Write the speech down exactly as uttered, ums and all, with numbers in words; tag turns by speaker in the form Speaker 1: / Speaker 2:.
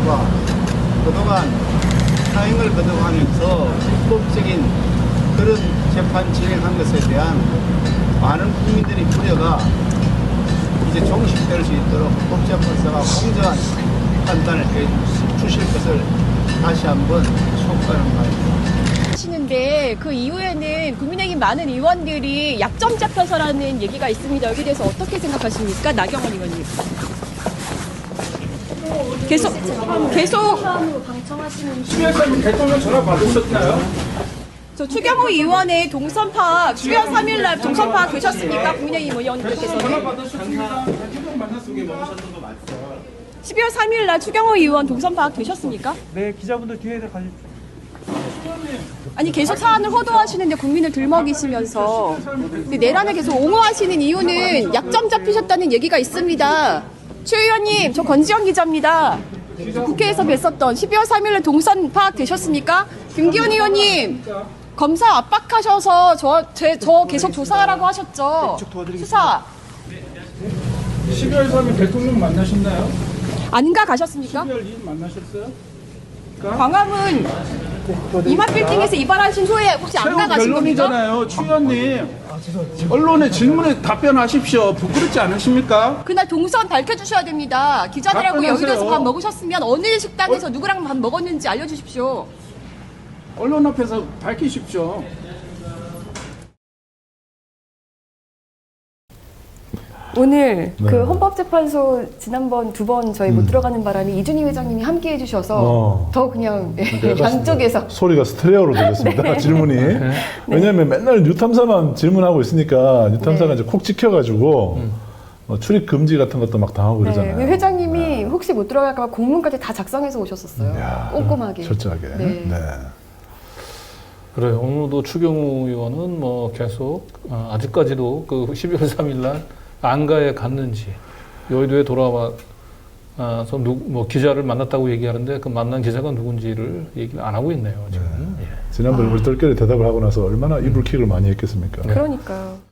Speaker 1: 재판소가 그동안 사행을 거듭하면서 불법적인 그런 재판 진행한 것에 대한 많은 국민들의 우려가 이제 종식될 수 있도록 법재판소가 공정한 판단을 해 주실 것을 다시 한번 촉구하는 바입니다.
Speaker 2: 하시는데 그 이후에는 국민의힘 많은 의원들이 약점 잡혀서라는 얘기가 있습니다. 여기에 대해서 어떻게 생각하십니까? 나경원 의원님. 계속 계속
Speaker 3: 시에서 대통령 전화 받으셨나요?
Speaker 2: 저 추경호 의원의 동선 파악 십이월 삼일 날 동선 파악 되셨습니까? 국민의힘 의원님들께서는
Speaker 3: 전화 받으셨습니다. 대통령 만났습니다.
Speaker 2: 십이월 삼일 날 추경호 의원 동선 파악 되셨습니까?
Speaker 4: 네, 기자분들 뒤에다 가십시오.
Speaker 2: 아니 계속 사안을 호도하시는데 국민을 들먹이시면서 근데 내란을 계속 옹호하시는 이유는 약점 잡히셨다는 얘기가 있습니다. 최 의원님, 저 권지영 기자입니다. 국회에서 뵀었던 십이월 삼일에 동선 파악 되셨습니까? 김기현 의원님, 검사 압박하셔서 저, 제, 저 계속 조사하라고 하셨죠. 수사
Speaker 3: 십이월 삼일 대통령 만나셨나요?
Speaker 2: 안가 가셨습니까?
Speaker 3: 십이월 이일 만나셨어요?
Speaker 2: 광화문 이마빌딩에서 이발하신 후에 혹시 안가
Speaker 3: 최후
Speaker 2: 가신 겁니까?
Speaker 3: 결론이잖아요. 추 의원님. 언론의 질문에 답변하십시오. 부끄럽지 않으십니까?
Speaker 2: 그날 동선 밝혀주셔야 됩니다. 기자들하고
Speaker 3: 답변하세요.
Speaker 2: 여의도에서 밥 먹으셨으면 어느 식당에서 누구랑 밥 먹었는지 알려주십시오.
Speaker 3: 언론 앞에서 밝히십시오.
Speaker 5: 오늘
Speaker 6: 네.
Speaker 5: 그 헌법재판소 지난번 두 번 저희 못 들어가는 바람에 이준희 회장님이 함께 해주셔서
Speaker 6: 어.
Speaker 5: 더 그냥
Speaker 6: 약간
Speaker 5: 양쪽에서
Speaker 6: 소리가 스테레오로 들렸습니다. 질문이. 왜냐하면 맨날 뉴탐사만 질문하고 있으니까 뉴탐사가 이제 콕 찍혀가지고 어, 출입 금지 같은 것도 막 당하고
Speaker 5: 네,
Speaker 6: 그러잖아요.
Speaker 5: 그 회장님이 혹시 못 들어갈까 봐 공문까지 다 작성해서 오셨었어요.
Speaker 6: 이야,
Speaker 5: 꼼꼼하게.
Speaker 6: 철저하게.
Speaker 5: 네.
Speaker 6: 네.
Speaker 4: 그래요. 오늘도 추경호 의원은 뭐 계속 어, 아직까지도 그 십이월 삼일 날 안가에 갔는지 여의도에 돌아와서 누, 뭐 기자를 만났다고 얘기하는데 그 만난 기자가 누군지를 얘기를 안 하고 있네요. 지금.
Speaker 6: 네.
Speaker 4: 예.
Speaker 6: 지난번에 우리 똘끼리 대답을 하고 나서 얼마나 이불킥을 많이 했겠습니까?
Speaker 5: 그러니까요.